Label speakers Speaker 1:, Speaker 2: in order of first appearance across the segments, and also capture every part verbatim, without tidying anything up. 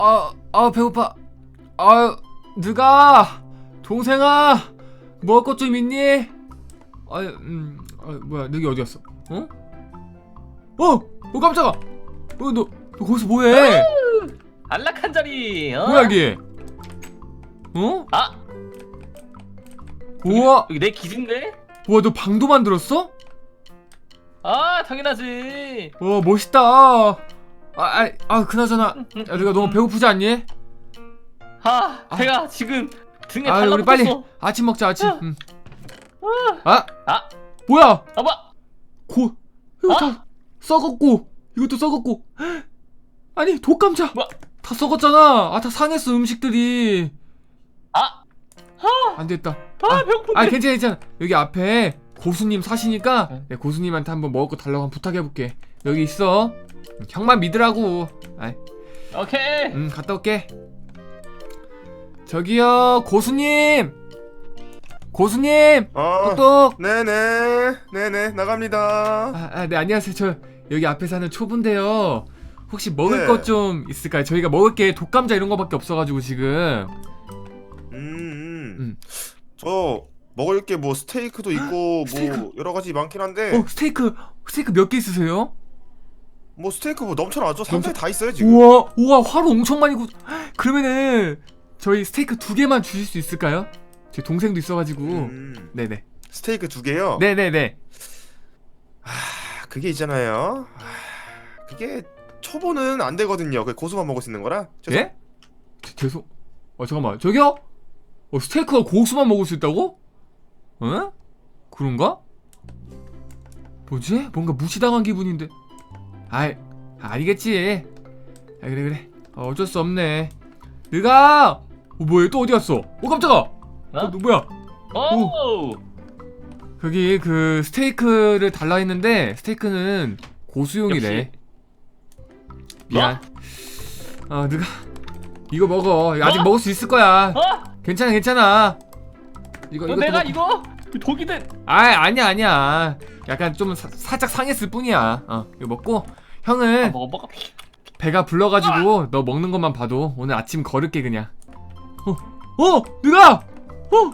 Speaker 1: 아, 아 배고파. 아, 누가 동생아 먹을 것 좀 있니? 아, 음, 아, 뭐야, 너기 어디 갔어? 어? 어, 어 깜짝아. 어, 너, 너 거기서 뭐해?
Speaker 2: 안락한 자리. 어?
Speaker 1: 뭐야 이게? 어?
Speaker 2: 아,
Speaker 1: 우와,
Speaker 2: 여기 내 기준데?
Speaker 1: 우와, 너 방도 만들었어?
Speaker 2: 아, 당연하지.
Speaker 1: 와, 멋있다. 아, 아, 아, 그나저나, 야, 내가 너무 배고프지 않니?
Speaker 2: 아,
Speaker 1: 아.
Speaker 2: 제가 지금 등에
Speaker 1: 아, 우리
Speaker 2: 달라붙었어.
Speaker 1: 빨리 아침 먹자, 아침.
Speaker 2: 아.
Speaker 1: 응. 아,
Speaker 2: 아,
Speaker 1: 뭐야?
Speaker 2: 아봐.
Speaker 1: 고, 이거
Speaker 2: 아?
Speaker 1: 다 썩었고, 이것도 썩었고. 아니, 독감자.
Speaker 2: 뭐?
Speaker 1: 다 썩었잖아. 아, 다 상했어, 음식들이.
Speaker 2: 아,
Speaker 1: 안 됐다.
Speaker 2: 아, 배고픈데.
Speaker 1: 아, 괜찮아, 괜찮아. 여기 앞에 고수님 사시니까
Speaker 2: 응.
Speaker 1: 내 고수님한테 한번 먹을 거 달라고 한번 부탁해볼게. 여기 있어. 형만 믿으라고. 아이,
Speaker 2: 오케이.
Speaker 1: 음, 갔다 올게. 저기요, 고수님. 고수님.
Speaker 3: 어,
Speaker 1: 똑똑.
Speaker 3: 네네, 네네, 나갑니다.
Speaker 1: 아, 아, 네, 안녕하세요. 저 여기 앞에 사는 초보인데요. 혹시 먹을
Speaker 3: 네.
Speaker 1: 것 좀 있을까요? 저희가 먹을 게 독감자 이런 거밖에 없어가지고 지금.
Speaker 3: 음, 음.
Speaker 1: 음.
Speaker 3: 저 먹을 게 뭐 스테이크도 있고
Speaker 1: 스테이크.
Speaker 3: 뭐 여러 가지 많긴 한데,
Speaker 1: 어, 스테이크, 스테이크 몇 개 있으세요?
Speaker 3: 뭐 스테이크 뭐 넘쳐나죠? 상자에 다 있어요 지금.
Speaker 1: 우와, 우와, 화로 엄청 많이 구. 그러면은 저희 스테이크 두 개만 주실 수 있을까요? 제 동생도 있어가지고.
Speaker 3: 음,
Speaker 1: 네네.
Speaker 3: 스테이크 두 개요.
Speaker 1: 네네네.
Speaker 3: 아, 그게 있잖아요. 아, 그게 초보는 안 되거든요. 그 고수만 먹을 수 있는 거라. 죄송.
Speaker 1: 예? 제- 죄송. 어, 잠깐만. 저기요? 어, 스테이크가 고수만 먹을 수 있다고? 어? 그런가? 뭐지? 뭔가 무시당한 기분인데. 아이, 아니겠지. 아, 그래 그래. 어, 어쩔 수 없네. 네가 어, 뭐야? 또 어디 갔어? 어, 깜짝아. 어, 너 뭐야?
Speaker 2: 오.
Speaker 1: 거기 그 스테이크를 달라 했는데 스테이크는 고수용이래. 미안. 어, 누가 이거 먹어. 아직
Speaker 2: 어?
Speaker 1: 먹을 수 있을 거야.
Speaker 2: 어?
Speaker 1: 괜찮아, 괜찮아. 이거
Speaker 2: 너
Speaker 1: 이거
Speaker 2: 내가 이거 독이든.
Speaker 1: 아, 아니야, 아니야. 약간 좀 사, 살짝 상했을 뿐이야. 어, 이거 먹고
Speaker 2: 아,
Speaker 1: 형은
Speaker 2: 먹어 먹어.
Speaker 1: 배가 불러가지고 너 먹는 것만 봐도 오늘 아침 걸을게 그냥. 어, 어, 누가? 어,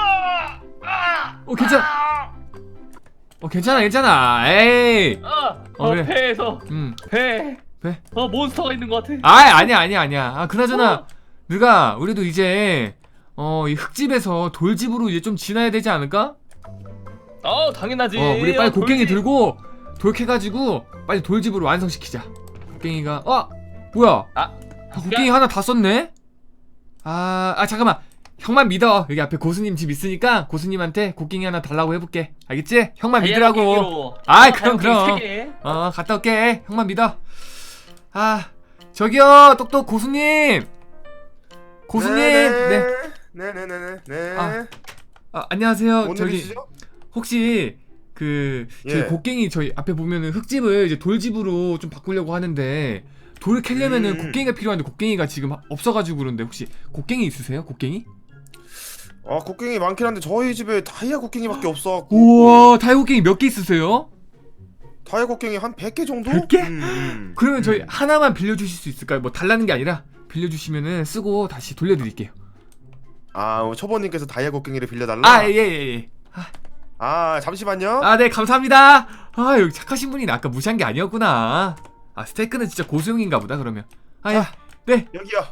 Speaker 1: 어, 괜찮아. 어, 괜찮아, 괜찮아. 에이.
Speaker 2: 아,
Speaker 1: 어,
Speaker 2: 어,
Speaker 1: 그래.
Speaker 2: 배에서
Speaker 1: 음,
Speaker 2: 배.
Speaker 1: 배.
Speaker 2: 어, 몬스터가 있는 것 같아.
Speaker 1: 아, 아니야, 아니야, 아니야. 아, 그나저나
Speaker 2: 어.
Speaker 1: 누가 우리도 이제 어, 이 흙집에서 돌집으로 이제 좀 지나야 되지 않을까?
Speaker 2: 어, 당연하지.
Speaker 1: 어, 우리 빨리
Speaker 2: 어,
Speaker 1: 곡괭이
Speaker 2: 돌지.
Speaker 1: 들고 돌캐가지고 빨리 돌집으로 완성시키자. 곡괭이가 어, 뭐야?
Speaker 2: 아,
Speaker 1: 아, 곡괭이 하나 다 썼네? 아, 아 잠깐만. 형만 믿어. 여기 앞에 고수님 집 있으니까 고수님한테 곡괭이 하나 달라고 해볼게. 알겠지? 형만 믿으라고.
Speaker 2: 다이아몬드
Speaker 1: 아이,
Speaker 2: 어,
Speaker 1: 그럼,
Speaker 2: 다이아몬드
Speaker 1: 그럼.
Speaker 2: 세 개.
Speaker 1: 어, 갔다 올게. 형만 믿어. 아, 저기요, 똑똑 고수님. 고수님. 네.
Speaker 3: 네네네네. 네.
Speaker 1: 아, 아, 안녕하세요.
Speaker 3: 뭔
Speaker 1: 저기
Speaker 3: 일이시죠?
Speaker 1: 혹시 그 저희
Speaker 3: 예.
Speaker 1: 곡괭이 저희 앞에 보면은 흙집을 이제 돌집으로 좀 바꾸려고 하는데 돌을 캐려면은
Speaker 3: 음.
Speaker 1: 곡괭이가 필요한데 곡괭이가 지금 없어가지고 그런데 혹시 곡괭이 있으세요? 곡괭이?
Speaker 3: 아, 곡괭이 많긴 한데 저희 집에 다이아 곡괭이밖에 없어갖고.
Speaker 1: 우와, 다이 곡괭이 몇 개 있으세요?
Speaker 3: 다이아 곡괭이 한 백 개 정도?
Speaker 1: 백 개?
Speaker 3: 음, 음.
Speaker 1: 그러면 저희
Speaker 3: 음.
Speaker 1: 하나만 빌려주실 수 있을까요? 뭐 달라는 게 아니라 빌려주시면은 쓰고 다시 돌려드릴게요.
Speaker 3: 아, 어, 초보님께서 다이아 곡괭이를 빌려달라?
Speaker 1: 아, 예, 예, 예.
Speaker 3: 아, 잠시만요.
Speaker 1: 아, 네, 감사합니다. 아, 여기 착하신 분이 아까 무시한 게 아니었구나. 아, 스테이크는 진짜 고수용인가 보다, 그러면. 아, 예.
Speaker 3: 아.
Speaker 1: 네.
Speaker 3: 여기요.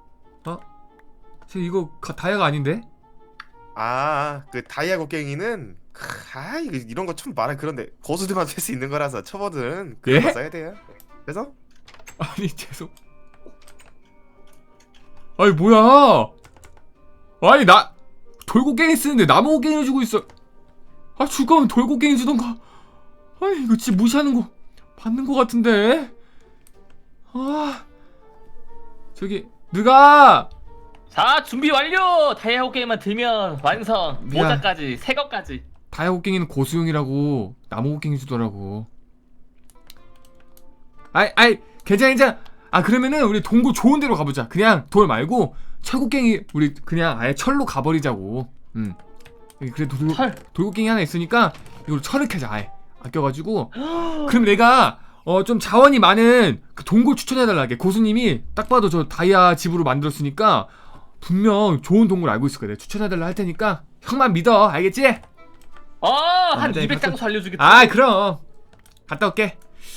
Speaker 1: 저 이거 가, 다이아가 아닌데?
Speaker 3: 아, 그 다이아 곡괭이는 크, 아, 이거 이런 거 참 말은 그런데 고수들만 쓸 수 있는 거라서 초보들은 그런
Speaker 1: 예?
Speaker 3: 거 써야 돼요. 그래서
Speaker 1: 아니, 죄송. 아니, 뭐야. 아니, 나 돌고갱이 쓰는데 나무 고갱이 주고 있어. 아, 줄 거면 돌고갱이 주던가. 아니, 이거 진짜 무시하는 거 받는 거 같은데. 아, 저기 누가
Speaker 2: 자, 준비 완료. 다이아 게임만 들면 완성.
Speaker 1: 미안.
Speaker 2: 모자까지, 새 것까지.
Speaker 1: 다이아 곡괭이는 고수용이라고 나무 곡괭이 주더라고. 아이, 아이, 괜찮아, 괜찮아. 아, 그러면은 우리 동굴 좋은 데로 가보자. 그냥 돌 말고 철곡갱이 우리 그냥 아예 철로 가버리자고. 음. 여기 그래 돌,
Speaker 2: 철.
Speaker 1: 돌곡갱이 하나 있으니까 이걸 철을 캐자. 아예 아껴가지고. 그럼 내가 어 좀 자원이 많은 그 동굴 추천해달라게. 고수님이 딱 봐도 저 다이아 집으로 만들었으니까 분명 좋은 동굴 알고 있을 거야. 내가 추천해달라 할 테니까 형만 믿어. 알겠지?
Speaker 2: 어한
Speaker 1: 네,
Speaker 2: 이백
Speaker 1: 갔다-
Speaker 2: 장소 알려주겠다.
Speaker 1: 아 그럼 갔다 올게.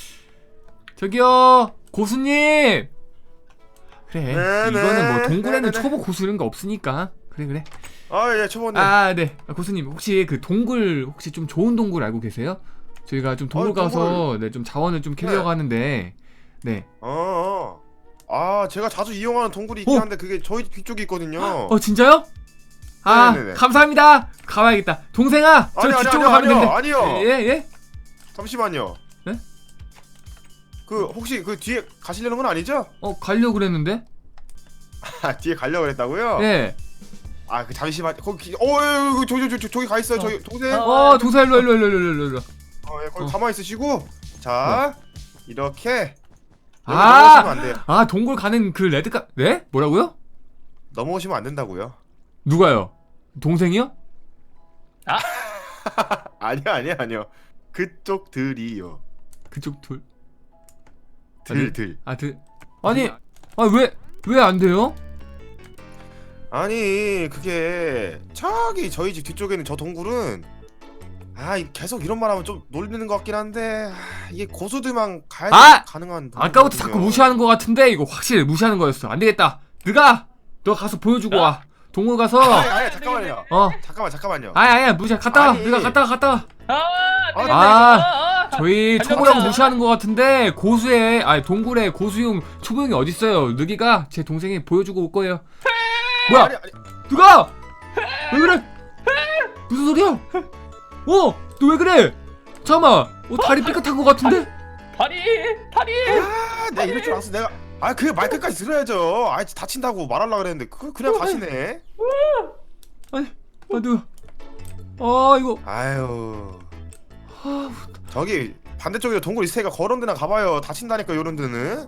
Speaker 1: 저기요 고수님. 그래
Speaker 3: 네네.
Speaker 1: 이거는 뭐 동굴에는
Speaker 3: 네네네.
Speaker 1: 초보 고수 이런 거 없으니까. 그래 그래.
Speaker 3: 아예 초보님.
Speaker 1: 아 네. 아, 고수님 혹시 그 동굴 혹시 좀 좋은 동굴 알고 계세요? 저희가 좀 동굴
Speaker 3: 아, 동굴.
Speaker 1: 가서 네, 좀 자원을 좀 캐려고
Speaker 3: 네.
Speaker 1: 하는데 네.
Speaker 3: 어. 어. 아 제가 자주 이용하는 동굴이 있긴
Speaker 1: 어?
Speaker 3: 한데 그게 저희 뒤쪽에 있거든요.
Speaker 1: 어 진짜요? 아
Speaker 3: 네네네.
Speaker 1: 감사합니다. 가봐야겠다. 동생아 저
Speaker 3: 아니, 아니,
Speaker 1: 뒤쪽으로
Speaker 3: 아니요,
Speaker 1: 가면 되는데.
Speaker 3: 아니요, 아니요.
Speaker 1: 예 예.
Speaker 3: 잠시만요.
Speaker 1: 네?
Speaker 3: 그 혹시 그 뒤에 가시려는 건 아니죠?
Speaker 1: 어 가려고 그랬는데.
Speaker 3: 아 뒤에 가려고 그랬다고요?
Speaker 1: 예.
Speaker 3: 아 그 잠시만 거기 어 저, 저, 저, 저, 저기 가 있어요. 저기 동생.
Speaker 2: 어.
Speaker 1: 어 동생 일로 일로 일로 일로 일로 일로.
Speaker 3: 어, 예, 거기
Speaker 1: 어.
Speaker 3: 가만히 있으시고 자 이렇게 여기
Speaker 1: 아!
Speaker 3: 넘어오시면 안 돼요.
Speaker 1: 아 동굴 가는 그 레드카 네? 뭐라고요?
Speaker 3: 넘어오시면 안 된다고요.
Speaker 1: 누가요? 동생이요?
Speaker 3: 아니요 아니요 아니요. 그쪽들이요.
Speaker 1: 그쪽 둘.
Speaker 3: 들들.
Speaker 1: 아 들. 아니 아 왜 왜 안 돼요?
Speaker 3: 아니 그게 저기 저희 집 뒤쪽에는 저 동굴은 아 이- 계속 이런 말하면 좀 놀리는 것 같긴 한데 아, 이게 고수들만 가야
Speaker 1: 아!
Speaker 3: 가능한
Speaker 1: 아까부터 자꾸
Speaker 3: 동굴이거든요.
Speaker 1: 무시하는 것 같은데 이거 확실히 무시하는 거였어. 안 되겠다. 네가 너 가서 보여주고 와. 동굴 가서
Speaker 3: 아니 아니 잠깐만요.
Speaker 1: 어.
Speaker 3: 잠깐만 잠깐만요.
Speaker 1: 아니 아니야 무시. 갔다 와.
Speaker 3: 아니.
Speaker 1: 네가 갔다 와 갔다 와.
Speaker 2: 아,
Speaker 3: 아,
Speaker 2: 되겠다,
Speaker 1: 아,
Speaker 2: 이거. 아,
Speaker 1: 저희
Speaker 2: 달려보자.
Speaker 1: 초보형 무시하는 것 같은데 고수의 아니 동굴에 고수용 초보형이 어디 있어요? 느기가 제 동생이 보여주고 올 거예요. 뭐야?
Speaker 3: 아니 아니
Speaker 1: 누가? 왜 그래? 무슨 소리야? 어? 너 왜 그래? 잠깐만. 어, 다리 삐끗한 것 같은데?
Speaker 2: 다리 다리.
Speaker 3: 아 내가 이럴 줄 알았어 내가 아 그 말 끝까지 들어야죠. 아 다친다고 말하려고 그랬는데 그 그냥 가시네.
Speaker 1: 아니, 아 누가? 아 이거.
Speaker 3: 아유
Speaker 1: 아,
Speaker 3: 저기 반대쪽에 동굴 있으니까 그런 데나 가봐요. 다친다니까 요런 데는.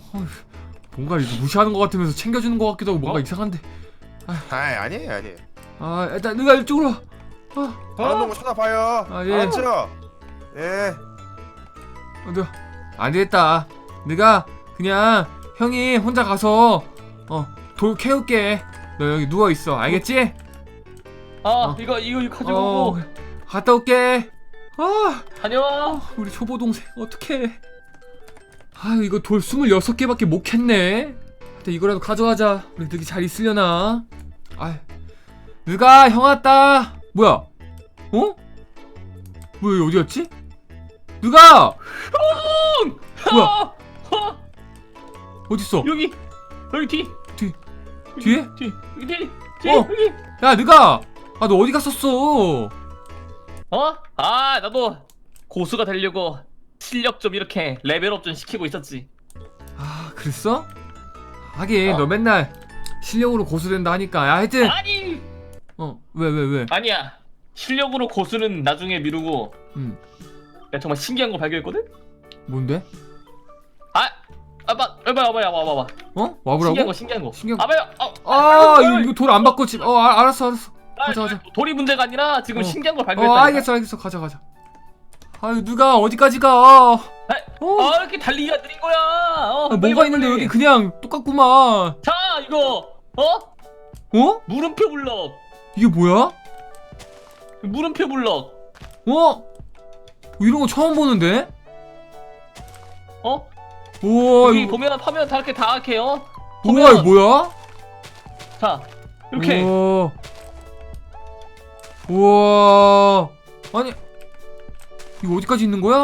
Speaker 1: 뭔가 이거 무시하는 것 같으면서 챙겨주는 것 같기도 하고 뭔가
Speaker 2: 어?
Speaker 1: 이상한데.
Speaker 3: 아이 아니에요 아니에요.
Speaker 1: 아 일단 네가 이쪽으로 와. 아,
Speaker 3: 다른 동굴 찾아봐요.
Speaker 1: 아, 예.
Speaker 3: 알았죠? 예.
Speaker 1: 아, 네가 안 되겠다. 네가 그냥 형이 혼자 가서 어 돌 캐올게. 너 여기 누워 있어. 알겠지?
Speaker 2: 아
Speaker 1: 어.
Speaker 2: 이거 이거 이거
Speaker 1: 어,
Speaker 2: 가지고
Speaker 1: 갔다 올게. 아,
Speaker 2: 다녀와.
Speaker 1: 우리 초보 동생 어떡해. 아, 이거 돌 스물여섯 개밖에 못 캤네. 하여튼 이거라도 가져가자. 우리 늑이 잘 있으려나. 아, 늑아 형 왔다. 뭐야? 어? 뭐야 여기 어디 갔지? 늑아! 뭐야?
Speaker 2: 아, 아,
Speaker 1: 어딨어?
Speaker 2: 여기 여기 뒤
Speaker 1: 뒤 뒤에?
Speaker 2: 뒤 여기 뒤 뒤.
Speaker 1: 어.
Speaker 2: 여기.
Speaker 1: 야 늑아! 아 너 어디 갔었어?
Speaker 2: 어? 아 나도 고수가 되려고 실력 좀 이렇게 레벨업 좀 시키고 있었지.
Speaker 1: 아 그랬어? 하긴
Speaker 2: 어?
Speaker 1: 너 맨날 실력으로 고수된다 하니까. 야 하여튼
Speaker 2: 아니
Speaker 1: 어 왜 왜 왜?
Speaker 2: 아니야. 실력으로 고수는 나중에 미루고
Speaker 1: 음
Speaker 2: 내가 정말 신기한 걸 발견했거든?
Speaker 1: 뭔데?
Speaker 2: 아! 아빠! 아빠! 아빠! 아빠! 아빠!
Speaker 1: 어? 와보라고?
Speaker 2: 신기한 거 신기한 거
Speaker 1: 신기한 거.
Speaker 2: 아빠야! 아!
Speaker 1: 아 이거, 이거 돌 안 바꿔 집. 어 아, 알았어 알았어. 가자 가자.
Speaker 2: 돌이 문제가 아니라 지금
Speaker 1: 어.
Speaker 2: 신기한 걸
Speaker 1: 어
Speaker 2: 발견했다.
Speaker 1: 알겠어 알겠어 가자 가자. 아유 누가 어디까지 가? 어?
Speaker 2: 아 이렇게 달리기가 느린 거야. 어,
Speaker 1: 아,
Speaker 2: 빨리,
Speaker 1: 뭐가
Speaker 2: 빨리,
Speaker 1: 있는데
Speaker 2: 빨리.
Speaker 1: 여기 그냥 똑같구만.
Speaker 2: 자 이거 어?
Speaker 1: 어?
Speaker 2: 물음표 블럭.
Speaker 1: 이게 뭐야?
Speaker 2: 물음표 블럭.
Speaker 1: 어? 이런 거 처음 보는데?
Speaker 2: 어?
Speaker 1: 우와
Speaker 2: 여기
Speaker 1: 이거
Speaker 2: 보면 파면 다 이렇게 다 이렇게 어?
Speaker 1: 우와 이거 뭐야?
Speaker 2: 자 이렇게
Speaker 1: 우와 우와 아니 이거 어디까지 있는 거야?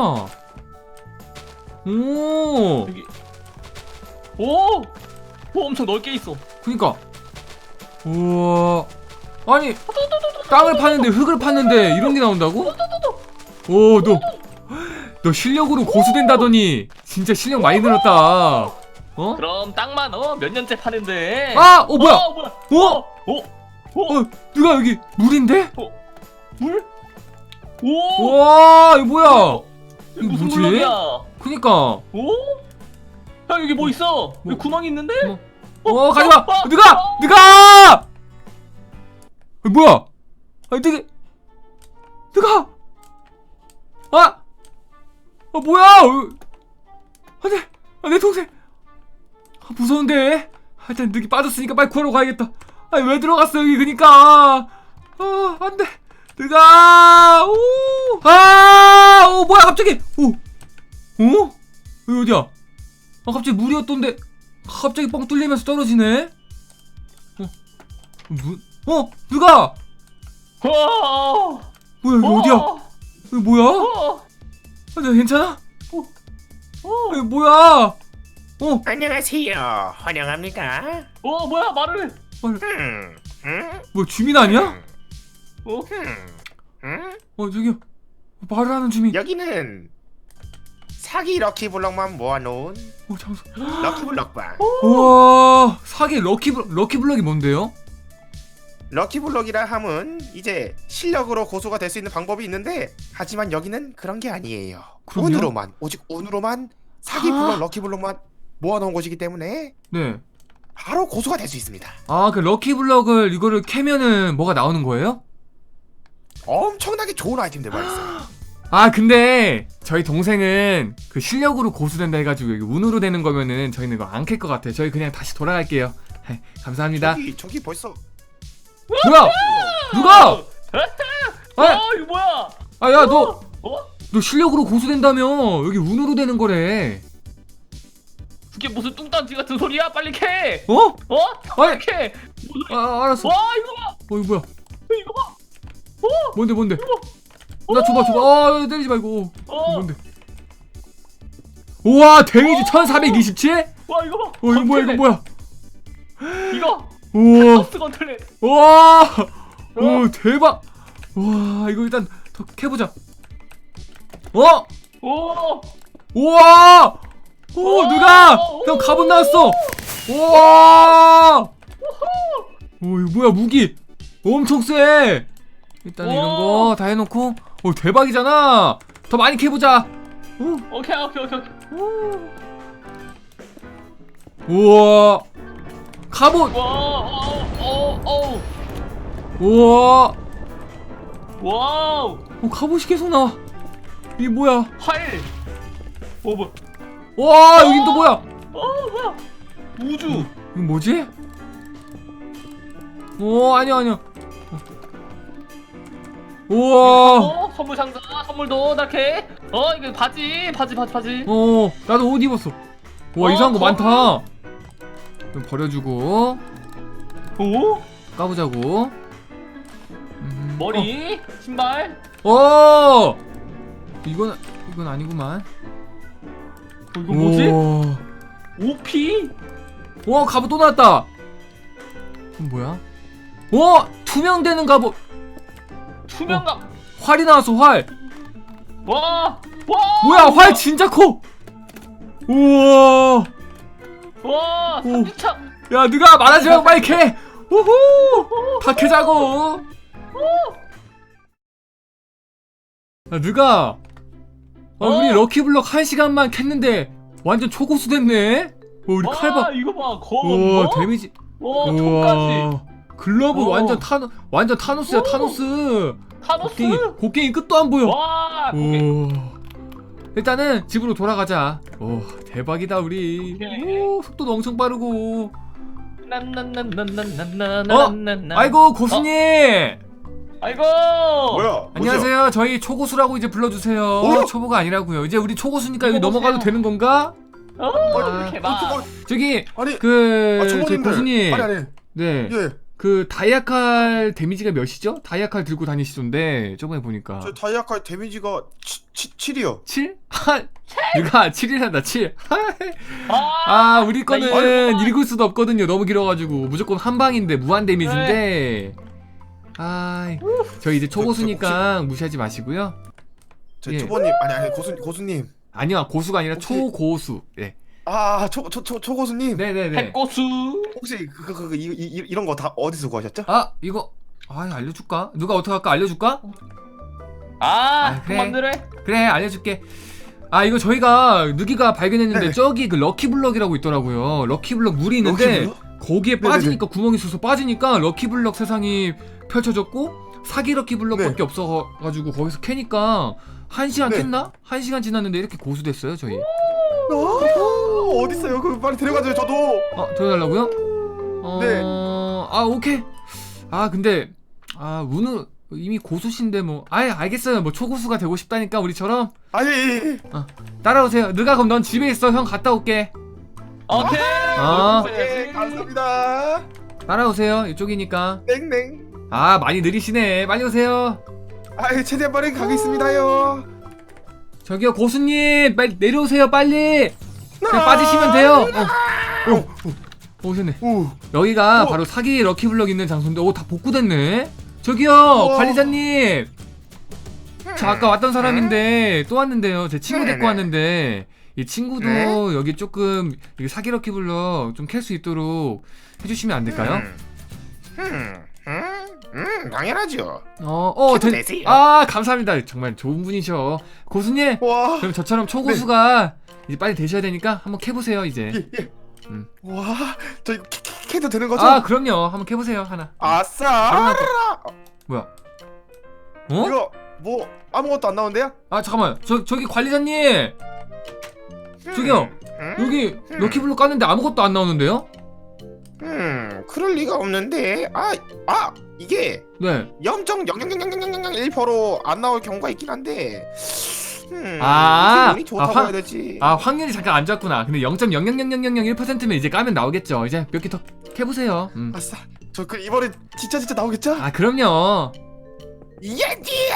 Speaker 1: 오
Speaker 2: 여기 오! 오 엄청 넓게 있어.
Speaker 1: 그니까 우와 아니 땅을 파는데 흙을 파는데 이런 게 나온다고? 오 너 너 실력으로 고수 된다더니 진짜 실력 많이 늘었다. 어?
Speaker 2: 그럼 땅만 어? 몇 년째 파는데.
Speaker 1: 아! 어 뭐야?
Speaker 2: 어, 뭐야?
Speaker 1: 어?
Speaker 2: 어? 어?
Speaker 1: 어 누가 여기 물인데?
Speaker 2: 물? 오!
Speaker 1: 우와 이거 뭐야?
Speaker 2: 이거
Speaker 1: 이거
Speaker 2: 무슨
Speaker 1: 뭐지?
Speaker 2: 블럭이야?
Speaker 1: 그니까
Speaker 2: 오? 야 여기 뭐 있어?
Speaker 1: 뭐?
Speaker 2: 여기 구멍이 있는데?
Speaker 1: 뭐? 어 가지마!
Speaker 2: 어,
Speaker 1: 누가!
Speaker 2: 어.
Speaker 1: 누가! 아, 뭐야? 아니 되게 누가! 아! 아 뭐야! 어, 안돼. 아, 내 동생. 아, 무서운데. 아, 일단 늑이 빠졌으니까 빨리 구하러 가야겠다. 아니 왜 들어갔어 여기 그니까. 아 안돼. 늑아. 오. 아. 오 뭐야 갑자기. 오. 어? 여기 어디야? 아 갑자기 물이었던데 갑자기 뻥 뚫리면서 떨어지네. 어? 문? 어? 늑아.
Speaker 2: 어,
Speaker 1: 뭐야 여기 어디야? 여기 뭐야?
Speaker 2: 어,
Speaker 1: 아, 나 괜찮아?
Speaker 2: 어,
Speaker 1: 여기 뭐야? 어?
Speaker 3: 안녕하세요. 환영합니다.
Speaker 2: 어, 뭐야 말을 해.
Speaker 1: 말,
Speaker 3: 음, 음,
Speaker 1: 뭐 주민 아니야?
Speaker 2: 어?
Speaker 3: 음, 음.
Speaker 1: 어 저기요 말을 하는 주민.
Speaker 3: 여기는 사기 럭키블럭만 모아놓은
Speaker 1: 어 잠깐.
Speaker 3: 럭키블럭방.
Speaker 1: 우와 사기 럭키블 럭키블럭이 뭔데요?
Speaker 3: 럭키블럭이라 함은 이제 실력으로 고수가 될 수 있는 방법이 있는데 하지만 여기는 그런 게 아니에요.
Speaker 1: 그럼요?
Speaker 3: 운으로만 오직 운으로만 사기
Speaker 1: 아.
Speaker 3: 블럭 럭키블럭만 모아놓은 곳이기 때문에
Speaker 1: 네.
Speaker 3: 바로 고수가 될 수 있습니다.
Speaker 1: 아 그 럭키블럭을 이거를 캐면은 뭐가 나오는 거예요?
Speaker 3: 엄청나게 좋은 아이템들만 있어요.
Speaker 1: 아 근데 저희 동생은 그 실력으로 고수된다 해가지고 이게 운으로 되는 거면은 저희는 이거 안 캘 것 같아요. 저희 그냥 다시 돌아갈게요. 네, 감사합니다.
Speaker 3: 저기 저기 벌써
Speaker 1: 뭐야? 누가?
Speaker 2: 어,
Speaker 1: 아,
Speaker 2: 이거 뭐야?
Speaker 1: 아, 야, 너,
Speaker 2: 어?
Speaker 1: 너 실력으로 고수된다며? 여기 운으로 되는 거래.
Speaker 2: 그게 무슨 뚱딴지 같은 소리야? 빨리 캐.
Speaker 1: 어?
Speaker 2: 어?
Speaker 1: 아니,
Speaker 2: 빨리 캐.
Speaker 1: 아, 알았어.
Speaker 2: 와, 이거 봐.
Speaker 1: 어, 이거 뭐야?
Speaker 2: 이거 봐.
Speaker 1: 뭔데, 뭔데? 나 줘봐, 줘봐. 아, 때리지 말고.
Speaker 2: 어.
Speaker 1: 뭔데? 우와, 데미지 천사백이십칠?
Speaker 2: 와, 이거 봐.
Speaker 1: 어, 이거 뭐야, 이거 뭐야?
Speaker 2: 이거.
Speaker 1: 우와,
Speaker 2: 버스 건틀렛.
Speaker 1: 우와, 오, 대박. 우와, 이거 일단 더 캐보자. 어?
Speaker 2: 오.
Speaker 1: 우와! 오,
Speaker 2: 오!
Speaker 1: 누가? 형 갑옷 나왔어. 우와! 오, 이거 뭐야 무기? 엄청 세. 일단 이런 거 다 해놓고, 오 대박이잖아. 더 많이 캐보자. 오,
Speaker 2: 오케이, 오케이, 오케이, 오케이.
Speaker 1: 우와, 갑옷.
Speaker 2: 와, 어, 어, 어.
Speaker 1: 우와,
Speaker 2: 와우.
Speaker 1: 어, 갑옷이 계속 나와. 이게 뭐야?
Speaker 2: 활. 어, 뭐?
Speaker 1: 와, 여긴 또 뭐야?
Speaker 2: 어, 뭐야? 우주.
Speaker 1: 이건 뭐지? 오, 아니야, 아니야. 우와.
Speaker 2: 어, 선물 상자, 선물도 이렇게. 어, 이거 바지, 바지, 바지, 바지.
Speaker 1: 어, 나도 옷 입었어. 와,
Speaker 2: 어,
Speaker 1: 이상한 거
Speaker 2: 거울.
Speaker 1: 많다. 좀 버려주고
Speaker 2: 오?
Speaker 1: 까보자고. 음,
Speaker 2: 머리, 신발.
Speaker 1: 어, 어! 이건 이건 아니구만.
Speaker 2: 어, 이거 뭐지?
Speaker 1: 우와.
Speaker 2: 오피?
Speaker 1: 와, 갑옷 또 나왔다. 이건 뭐야? 와, 투명되는 갑옷.
Speaker 2: 투명감.
Speaker 1: 활이 나왔어, 활.
Speaker 2: 와, 와.
Speaker 1: 뭐야, 활 진짜 커. 우와.
Speaker 2: 와,
Speaker 1: 오.
Speaker 2: 삼지창.
Speaker 1: 야, 누가 말하지 말고 빨리 캐. 우후. 다 캐자고. 야, 누가? 아,
Speaker 2: 어?
Speaker 1: 우리 럭키블럭 한 시간만 캤는데 완전 초고수 됐네. 어, 우리
Speaker 2: 와,
Speaker 1: 칼바.
Speaker 2: 이거 봐,
Speaker 1: 우와,
Speaker 2: 검.
Speaker 1: 데미지.
Speaker 2: 와, 총까지.
Speaker 1: 우와. 글러브
Speaker 2: 오.
Speaker 1: 완전 타노 완전 타노스야,
Speaker 2: 오.
Speaker 1: 타노스.
Speaker 2: 타노스.
Speaker 1: 곡괭이 곡괭이 끝도 안 보여.
Speaker 2: 와, 오케이.
Speaker 1: 오. 일단은 집으로 돌아가자. 오, 대박이다 우리.
Speaker 2: 오케이.
Speaker 1: 오, 속도도 엄청 빠르고.
Speaker 2: 난난난난난난난난.
Speaker 1: 아이고 고수님.
Speaker 2: 아이고.
Speaker 3: 뭐야?
Speaker 1: 안녕하세요. 저희 초고수라고 이제 불러주세요.
Speaker 3: 어?
Speaker 1: 초보가 아니라고요. 이제 우리 초고수니까 여기
Speaker 2: 초보세요.
Speaker 1: 넘어가도 되는 건가?
Speaker 2: 어,
Speaker 1: 아.
Speaker 2: 이렇게 봐.
Speaker 3: 어,
Speaker 1: 저기
Speaker 3: 아니,
Speaker 1: 그
Speaker 3: 아,
Speaker 1: 저희
Speaker 3: 초보님들.
Speaker 1: 고수님.
Speaker 3: 아니 아니.
Speaker 1: 네.
Speaker 3: 예.
Speaker 1: 그 다이아칼 데미지가 몇이죠? 다이아칼 들고 다니시던데 저번에 보니까
Speaker 3: 저 다이아칼 데미지가 칠이요.
Speaker 1: 칠? 하, 누가 칠이란다 칠.
Speaker 2: 아,
Speaker 1: 아 우리
Speaker 2: 나
Speaker 1: 거는
Speaker 2: 이거-
Speaker 1: 읽을 수도 없거든요. 너무 길어가지고 무조건 한 방인데 무한 데미지인데. 아, 저 이제 초고수니까 무시하지 마시고요.
Speaker 3: 저
Speaker 1: 예.
Speaker 3: 초보님 아니 아니 고수 고수님.
Speaker 1: 아니요, 고수가 아니라
Speaker 3: 혹시-
Speaker 1: 초고수. 네,
Speaker 3: 아초초초 초고수님.
Speaker 1: 네네네.
Speaker 2: 핵고수.
Speaker 3: 혹시 그그 그, 그, 이, 이, 이런 거 다 어디서 구하셨죠?
Speaker 1: 아 이거 아 알려줄까? 누가 어떻게 할까? 알려줄까?
Speaker 2: 아,
Speaker 1: 아, 그래.
Speaker 2: 그만들래.
Speaker 1: 그래 알려줄게. 아 이거 저희가 누기가 발견했는데
Speaker 3: 네네.
Speaker 1: 저기 그 럭키블럭이라고 있더라고요. 럭키블럭 물이 있는데
Speaker 3: 럭키블럭?
Speaker 1: 거기에
Speaker 3: 네네네.
Speaker 1: 빠지니까 구멍이 있어서 빠지니까 럭키블럭 세상이 펼쳐졌고 사기 럭키블럭밖에
Speaker 3: 네.
Speaker 1: 없어가지고 거기서 캐니까 한 시간
Speaker 3: 네.
Speaker 1: 캤나? 한 시간 지났는데 이렇게 고수됐어요 저희.
Speaker 3: 어, 어디 있어요? 그 빨리 데려가줘요. 저도.
Speaker 1: 어, 들어달라고요? 어,
Speaker 3: 네.
Speaker 1: 아, 오케이. 아, 근데, 아, 운우 이미 고수신데 뭐. 아예 알겠어요. 뭐 초고수가 되고 싶다니까, 우리처럼.
Speaker 3: 아니. 예,
Speaker 1: 어, 따라오세요. 느가 그럼 넌 집에 있어. 형 갔다 올게.
Speaker 2: 오케이.
Speaker 1: 어.
Speaker 3: 예, 감사합니다.
Speaker 1: 따라오세요. 이쪽이니까.
Speaker 3: 땡땡.
Speaker 1: 아, 많이 느리시네. 빨리 오세요.
Speaker 3: 아, 최대한 빠르게 가겠습니다요.
Speaker 1: 저기요, 고수님. 빨리 내려오세요, 빨리. 그냥
Speaker 3: 아,
Speaker 1: 빠지시면 돼요. 어, 어, 어, 오셨네.
Speaker 3: 오.
Speaker 1: 여기가
Speaker 3: 어.
Speaker 1: 바로 사기 럭키블럭 있는 장소인데, 오, 다 복구됐네. 저기요,
Speaker 3: 우와.
Speaker 1: 관리자님. 저 아까 왔던 사람인데 또 왔는데요. 제 친구 데리고
Speaker 3: 네네.
Speaker 1: 왔는데 이 친구도
Speaker 3: 네?
Speaker 1: 여기 조금 여기 사기 럭키블럭 좀 캘 수 있도록 해주시면 안 될까요?
Speaker 3: 음, 음, 음, 음, 당연하죠.
Speaker 1: 어, 어,
Speaker 3: 해도
Speaker 1: 된-
Speaker 3: 되세요.
Speaker 1: 아, 감사합니다. 정말 좋은 분이셔. 고수님,
Speaker 3: 와.
Speaker 1: 그럼 저처럼 초고수가 이제 빨리 되셔야 되니까 한번 캐보세요, 이제.
Speaker 3: 예, 예.
Speaker 1: 음.
Speaker 3: 와, 저 캐- 캐- 캐도 되는 거죠?
Speaker 1: 아, 그럼요. 한번 캐보세요, 하나.
Speaker 3: 아싸.
Speaker 1: 바로 나올 뭐야? 어?
Speaker 3: 이거 뭐 아무것도 안 나온대요?
Speaker 1: 아, 잠깐만. 저, 저기 관리자님! 저기요,
Speaker 3: 음,
Speaker 1: 여기
Speaker 3: 음.
Speaker 1: 럭키블럭 깠는데 아무것도 안 나오는데요?
Speaker 3: 음, 그럴 리가 없는데. 아, 아, 이게
Speaker 1: 네.
Speaker 3: 영 점 영영영영영영일 퍼센트로 안 나올 경우가 있긴 한데. 음,
Speaker 1: 아,
Speaker 3: 운이 좋다고
Speaker 1: 아, 화-
Speaker 3: 해야 되지.
Speaker 1: 아, 확률이 잠깐 안 좋았구나. 근데 영 점 영영영영영일 퍼센트면 이제 까면 나오겠죠. 이제 몇 개 더 캐보세요. 음.
Speaker 3: 아싸. 저 그 이번에 진짜 진짜 나오겠죠?
Speaker 1: 아, 그럼요.
Speaker 3: 예지.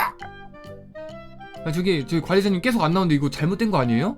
Speaker 1: 아, 저기, 저기 관리자님 계속 안 나오는데 이거 잘못된 거 아니에요?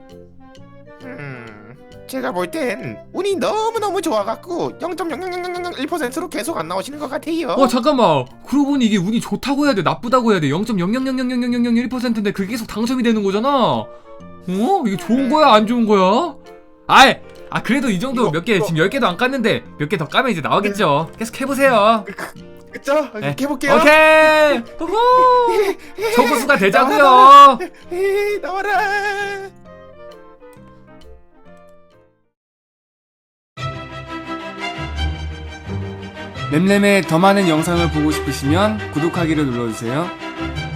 Speaker 3: 음, 제가 볼 땐 운이 너무 너무 좋아갖고 영 점 영영영영일 퍼센트로 계속 안 나오시는 것 같아요.
Speaker 1: 어, 잠깐만. 그러고 보니 이게 운이 좋다고 해야 돼? 나쁘다고 해야 돼? 영 점 영영영영영영일 퍼센트인데 그게 계속 당첨이 되는 거잖아? 어? 이게 좋은 거야? 안 좋은 거야? 아이! 아, 그래도 이 정도
Speaker 3: 이거,
Speaker 1: 몇 개,
Speaker 3: 이거.
Speaker 1: 지금 열 개도 안 깠는데 몇 개 더 까면 이제 나오겠죠? 계속 해보세요.
Speaker 3: 그쵸?
Speaker 1: 네.
Speaker 3: 해볼게요.
Speaker 1: 오케이! 후후! 초고수가 되자고요!
Speaker 3: 나와라. 에이, 나와라.
Speaker 1: 램램의 더 많은 영상을 보고 싶으시면 구독하기를 눌러주세요.